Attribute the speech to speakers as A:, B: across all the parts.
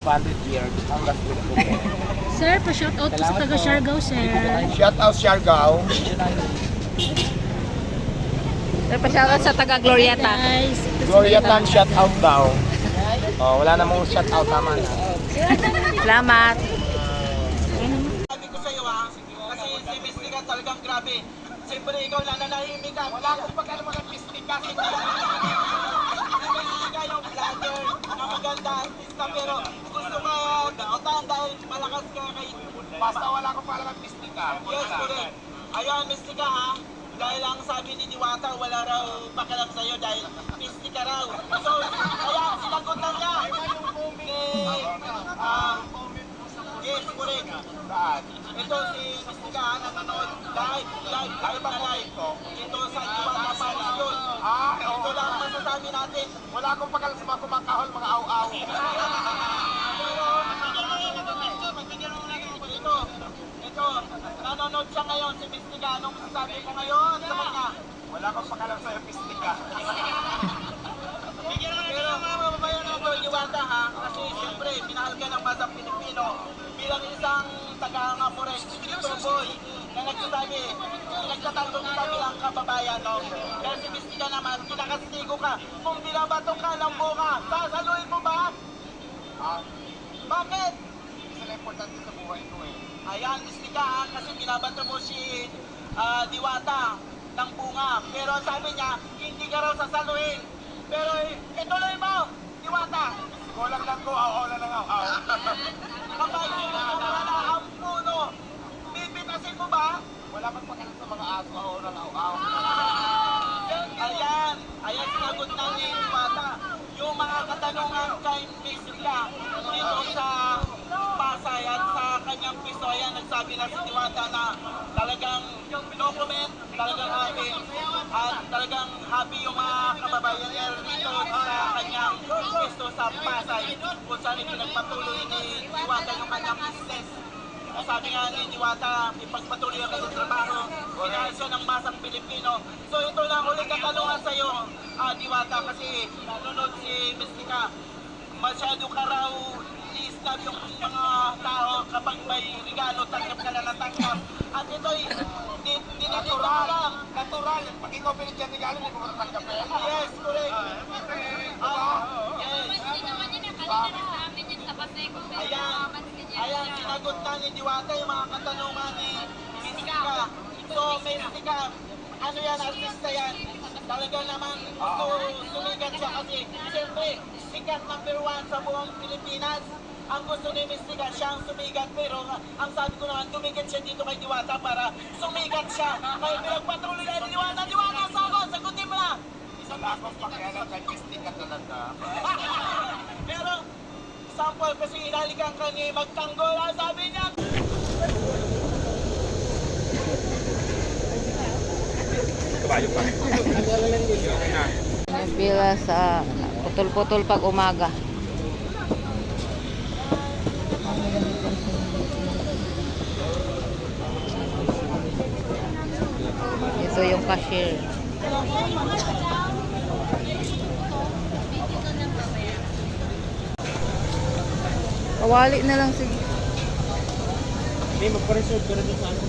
A: 100 years ang gas pinag.
B: Sir, pa-shoutout po sa taga Siargao, sir.
A: Shout out Siargao.
C: Sir, pa-shoutout sa taga Glorieta.
B: Guys,
A: Gloriatan shout out daw. Oh, wala namang shout out naman.
C: Salamat.
D: Sabi ko sa'yo ha, kasi si Miss Nika talagang grabe. Siyempre ikaw lang nanahimik ka. Wala akong pagkano mga Miss Nika. Si Miss Nika yung vlogger na maganda artista pero gusto ka dakitaan dahil malakas ka kay...
A: Basta wala akong palaman Miss Nika.
D: Yes, correct. Ayan, Miss Nika ha. Dahil ang sabi ni Diwata, wala raw pakialam sa'yo dahil Miss Nika raw. So, ayan, sinagutan niya. Yes, correct. Ito si Miss Nika nanonood live na live. Ito sa Diwata Paris yun. Ito lang ang masasabi natin.
A: Wala akong pakalam sa mga kumakahol, mga aw-aw.
D: Ito, nanonood siya ngayon si Miss Nika. Anong masasabi ko ngayon sa kanya?
A: Wala akong pakalam sa Miss Nika.
D: Pero mga mababayan ng Diwata ha, kasi siyempre minahal ka ng masang Pilipino bilang isang taga-Amores, Dito Boy, na nagsasabi, nagtatanggong kita bilang kababayan, no? Pero si Miss Nika naman, kinakastigo ka. Kung binabato ka ng buka, sasaluhin mo ba? Bakit?
A: Isa na importante sa buhay ko eh.
D: Ayan, Miss Nika ha, kasi binabato mo si Diwata ng bunga. Pero sabi niya, hindi ka raw sasaluhin. Pero ituloy mo, Diwata.
A: Kulang lang ko, aw-aw na lang aw-aw.
D: Kapag wala ang puno, pipitasin mo ba?
A: Wala akong pakalam sa mga aso, aw-aw na lang aw-aw.
D: Ayan sinagot na ni Diwata. Yung mga katanungan kay Miss Nika dito sa Pasay at sa kanyang piso, ayan, nagsabi na si Diwata na talagang no comment, talagang happy at talagang happy yung mga kababayan niya dito sa kanyang piso sa Pasay kung saan ipinagpatuloy ni Diwata yung kanyang business. Sabi nga ni Diwata, ipagpatuloy ang kanyang trabaho, pinahal siya ng masang Pilipino. So ito lang ulit katanungan sa iyo, Diwata, kasi nanonood si Miss Nika. Masyado ka raw i-snap yung mga tao kapag may regalo, tanggap ka na natanggap. At ito'y dinidito mo lang.
A: Natural. Pag ikaw pinigyan regalo, hindi ko matatanggap eh.
D: Yes, correct. Yes. Ayan, sinagot na ni Diwata yung mga katanungan ni Miss Nika. So, Miss Nika, ano yan, artista yan. Talaga naman gusto sumigat siya kasi siyempre, sikat number 1 sa buong Pilipinas. Ang gusto ni Miss Nika, siyang sumigat. Pero ang sabi ko naman, tumigat siya dito kay Diwata para sumigat siya. Kaya pinagpatuloy na ni Diwata. Diwata, sagutin mo na!
A: Wala akong pakialam kay Miss Nika talaga.
D: Pero, sample kasi inalikan ka ni magtanggol. Ang sabi niya,
A: Kabayo pa.
C: Bila sa putol-putol pag umaga. Ito yung cashier. Kawali na lang sige.
A: May magpa-reserve ka na din sa ano.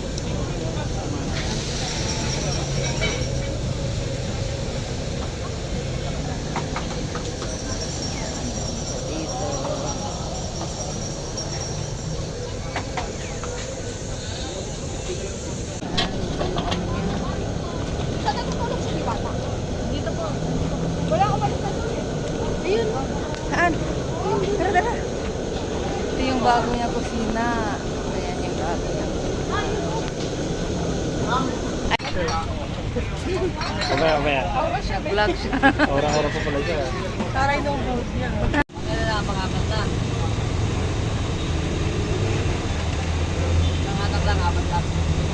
C: Saan? Tara, tara. Ito yung bago niya kusina. Ayan yung bago niya.
A: Mamaya.
C: Vlog siya.
A: Orang-orang pa pala siya.
C: Taray nung vlog niya. Ano na makakanta? Nangatag lang, apat lang.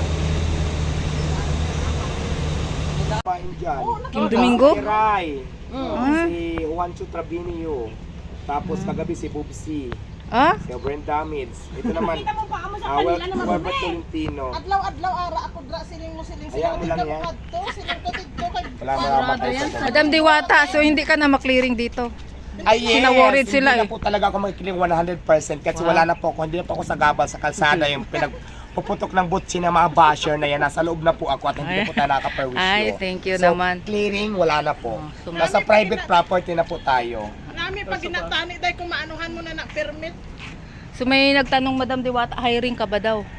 A: Pain dyan.
C: Kim Domingo?
A: Si Rai.
C: Ah.
A: Si Juancho Trabinio. Tapos kagabi si Bubsy.
C: Ah?
A: Si Brenda Mids. Ito naman. Robert Tolentino.
E: Adlaw-adlaw ara ako dra siling mo siling
A: Hayaan mo lang yan.
E: kadto siling kadto kay
A: Wala mga batay sa
C: Madam Diwata, so hindi ka na maklearing dito.
A: Ay, yes.
C: Sinaworried sila
A: Hindi
C: eh.
A: na po talaga ako magkiling 100% kasi wala na po ako, hindi na po ako sa gabal sa kalsada yung pinagpuputok ng butsi ng mga basher na yan. Nasa loob na po ako at hindi na po tayo nakaperwisyo.
C: Ay, thank you
A: So,
C: naman.
A: clearing, wala na po.
C: so
A: Nasa private property na po tayo.
E: Nami pag ginatani dahil kung maanuhan mo na na permit.
C: So may nagtanong, Madam Diwata, hiring ka ba daw?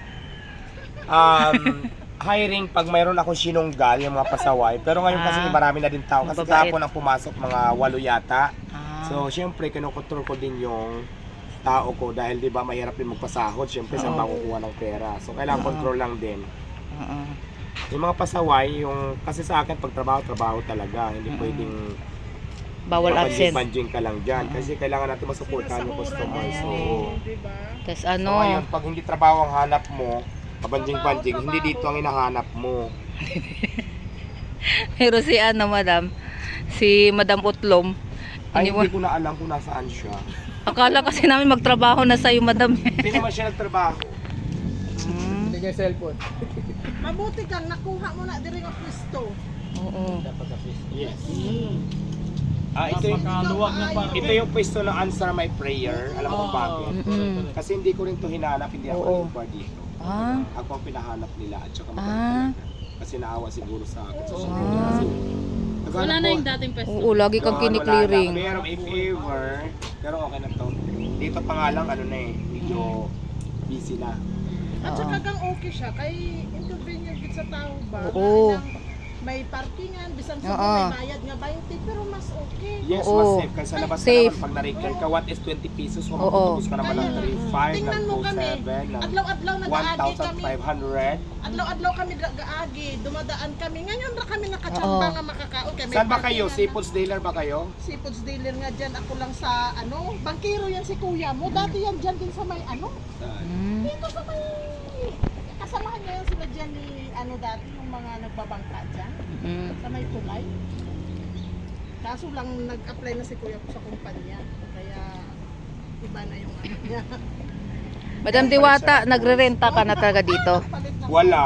A: Hiring pag mayroon akong sinunggal, yung mga pasaway. Pero ngayon kasi marami na din tao. Kasi
C: Mababait.
A: kahapon ang pumasok mga 8 yata.
C: Ah.
A: So, syempre, kinokontrol ko din yung tao ko dahil di ba mahirap din magpasahod. Syempre, saan ba kukuha ng pera? So, kailangan control lang din.
C: Oo.
A: Yung mga pasaway, yung kasi sa akin, pag trabaho talaga. Hindi pwedeng
C: Bawal absent.
A: banjing ka lang dyan. Kasi kailangan natin masuportahan yung customer. So,
E: Diba?
C: Tapos
A: so,
C: ano,
A: ngayon, pag hindi trabaho ang hanap mo, kabanjing-banjing, hindi dito ang hinahanap mo.
C: pero si ano, Madam, si Madam Utlom,
A: Ay,
C: iniwan-
A: hindi ko na alam kung nasaan siya.
C: akala kasi namin magtrabaho na sa'yo, Madam.
A: Hindi naman siya nagtrabaho.
E: Mabuti kang nakuha mo na diri nga pwesto.
C: Oo.
A: Yes. Ito yung pwesto ng Answer My Prayer. Alam mo kung bakit?
C: Mm-mm.
A: Kasi hindi ko rin to hinanap, hindi ako
C: Oo.
A: nag-inquire dito.
C: Ah.
A: Ako ang pinahanap nila at saka
C: Ah.
A: maganda. Kasi naawa siguro sa akin. So,
C: Ah.
A: kasi,
B: Wala na yung dating pwesto.
C: Oo, lagi kang kiniklearing.
A: Pero if ever, pero okay na to. Dito pa nga lang, ano na eh, medyo busy na.
E: At saka kang okay siya kay inconvenient gid sa tao ba?
C: Oo.
E: Na may parkingan, bisan sa
C: Oo.
E: may bayad nga 20 pero mas okay.
A: Yes,
C: Oo.
A: mas safe. Kasi sa labas
C: Safe.
A: ka naman, pag na-recall ka, what is 20 pesos? Kung
C: Oo.
A: magtutubos ka naman ng
E: Kaya,
A: 3,500, ng
E: tingnan mo kami,
A: 2,700, ng
E: adlaw-adlaw nag-aagi kami.
A: 1,500.
E: Adlaw-adlaw kami nag-aagi, dumadaan kami. Ngayon ra kami nakachamba
C: Oo.
E: nga makakaon kay may
A: Saan ba kayo?
E: parkingan
A: Seafoods dealer ba kayo?
E: na- Seafoods dealer nga dyan. Ako lang sa ano, bangkero yan si kuya mo. Dati yan dyan din sa may ano.
C: Mm.
E: Dito sa may kasamahan niya yan sila dyan ni ano dati yung mga nagbabangka dyan.
C: Mm.
E: Sa may tulay. Kaso lang nag-apply na si kuya ko sa kumpanya. Kaya iba na yung ano niya.
C: Madam Diwata, nagre-renta ka na talaga dito?
E: Palit na.
A: Wala.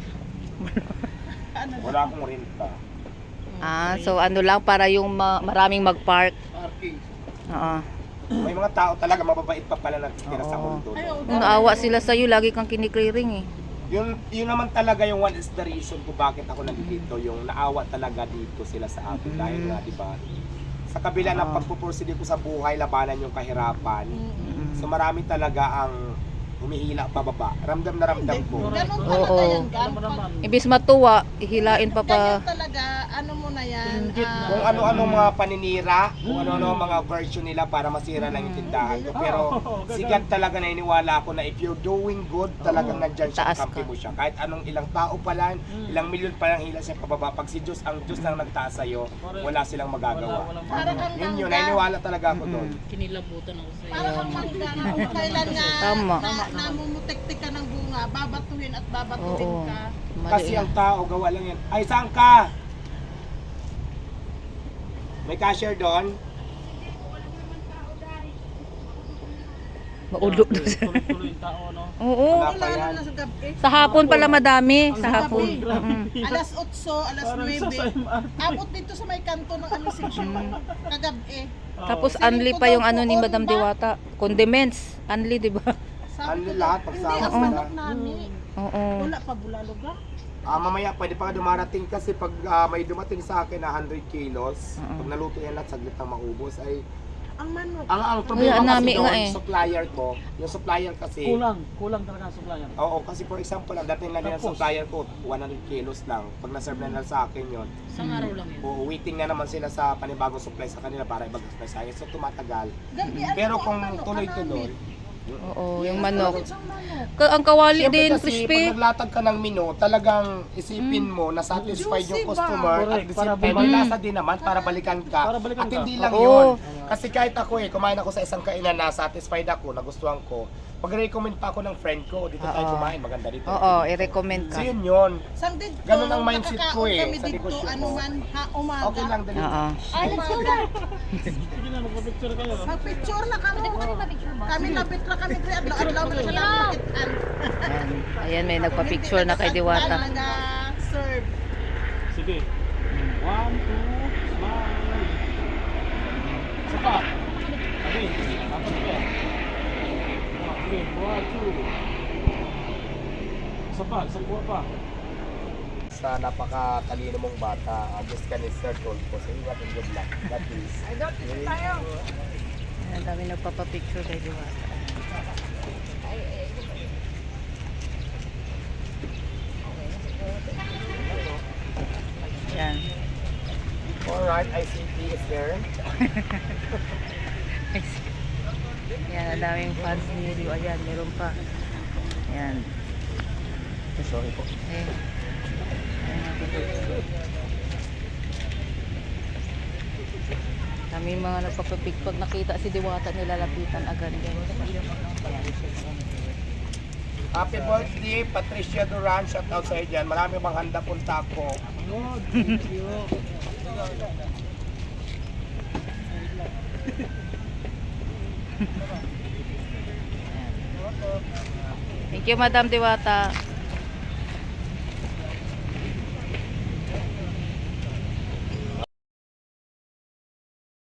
E: Ano,
A: Wala akong renta.
C: Ah, so ano lang para yung maraming mag-park.
A: Parking.
C: Oo.
A: May mga tao talaga mababait pa pala natitira sa
C: Oo.
A: mundo.
E: Ayaw,
C: Kung naawa sila sa'yo, lagi kang kiniklearing eh.
A: Yun naman talaga yung one is the reason kung bakit ako nandito. Yung naawa talaga dito sila sa akin. Dahil nga, di ba, sa kabila ng pagpupursige ko sa buhay, labanan yung kahirapan. So marami talaga ang humihila pababa. Ramdam na ramdam ko.
E: Ganun
C: Oo.
E: talaga yan, Gan. Pag
C: Ibis matuwa, hihilain pa
E: ganyan
C: pa.
E: talaga, ano mo na yan.
A: Kung ano-ano mga paninira, kung ano-ano mga version nila para masira lang yung tindahan ko. Pero sigat talaga na iniwala ako na if you're doing good, talagang nandyan siya,
C: Taas
A: kampi
C: ka.
A: mo siya. Kahit anong ilang tao pa lang, ilang milyon pa lang hila siya pababa. Pag si Diyos, ang Diyos lang nagtaas sa'yo, wala silang magagawa.
E: para kang
A: Yun yun,
E: mangga.
A: naniniwala talaga ako doon.
B: Kinilabutan ako sa'yo.
E: Para kang mangga na kung kailan nga
C: Tama.
E: namumutik-tik ka ng bunga, babatuhin at babatuhin
C: Oo.
E: ka.
A: Kasi ang tao, gawa lang yan. Ay, saan ka? May cashier doon?
C: Maulo doon. Oo.
A: Wala pa
E: Wala
A: yan.
E: na sa gabi.
C: Sa hapon pala madami. Sa hapon.
E: Alas 8, alas 9. Abot dito sa may kanto ng ano section. Kagabi.
C: Tapos unli pa yung ano ni Madam Diwata. Condiments. Unli, di ba?
A: Ano lahat,
E: Hindi,
A: pagsama
E: ang
A: sila.
E: manok namin.
C: Oo.
E: Wala pa bulalog ah.
A: Mamaya pwede pa ka dumarating kasi pag may dumating sa akin na 100 kilos, pag naluto yan lahat, saglit na maubos ay
E: Ang manok.
A: ang problema
C: Wala,
A: kasi
C: nami
A: doon,
C: nga eh.
A: supplier ko, yung supplier kasi
F: Kulang talaga ang supplier.
A: oo, kasi for example, ang dating lang din ng
F: Tapos?
A: supplier ko 100 kilos lang. Pag na-serve na nila sa akin yon,
B: Isang araw lang yun.
A: waiting na naman sila sa panibagong supply sa kanila para ibag-supply sa akin. So tumatagal.
E: Gabi, ano
A: Pero
E: po ang
A: kung
E: manok?
A: tuloy-tuloy,
C: Oo, yung manok.
E: Isang manok.
C: Ang kawali
A: siyempre
C: din,
A: kasi
C: crispy.
A: pag naglatag ka ng menu, talagang isipin mo na satisfied
E: Juicy
A: yung
E: ba?
A: customer at
F: Correct,
A: the
F: para
A: same time,
F: bumalik.
A: may lasa din naman para balikan ka.
F: Para balikan
A: At
F: ka.
A: hindi lang
C: Oo.
A: yun. Kasi kahit ako kumain ako sa isang kainan na satisfied ako, nagustuhan ko, pag-recommend pa ako ng friend ko, dito tayo
C: Oo.
A: kumain, maganda dito.
C: Oo, i-recommend ka.
A: So yun.
E: Sam dito,
A: Ganun ang mindset ko
E: nakakaon
A: eh,
E: kami
A: sa
E: dito,
A: negosyo
E: ano
A: ko.
E: man, umaga.
A: Okay lang dali.
C: Oo.
E: Ay, let's go na.
F: Sige na, magpa-picture kayo.
E: Magpicture na kami. Kami lapit na kami. Adlaw-adlaw na siya lang makitaan.
C: Ayan. Ayan, may nagpa-picture na kay Diwata.
E: Serve.
F: Sige. 1, 2, smile. Isa pa. Okay, 1, 2. Isa pa, isang buwa pa.
A: Sa napakatalino mong bata, just can insert ko sa iyo at good luck. That is.
C: Ang dami nagpapapicture kay Diwata. Yan.
A: Alright, ICT is there.
C: Yan, ang daming fans ni Rio. Ayan, meron pa. Yan.
A: Sorry po.
C: Eh. Ayan natin dito. Kami mga nagpapapig. Pag nakita si Diwata, nilalapitan agad. Yan.
A: Happy birthday, Patricia Duran. Shout out sa iyo dyan. Marami bang handa punta ko.
C: Thank you, Madam Diwata.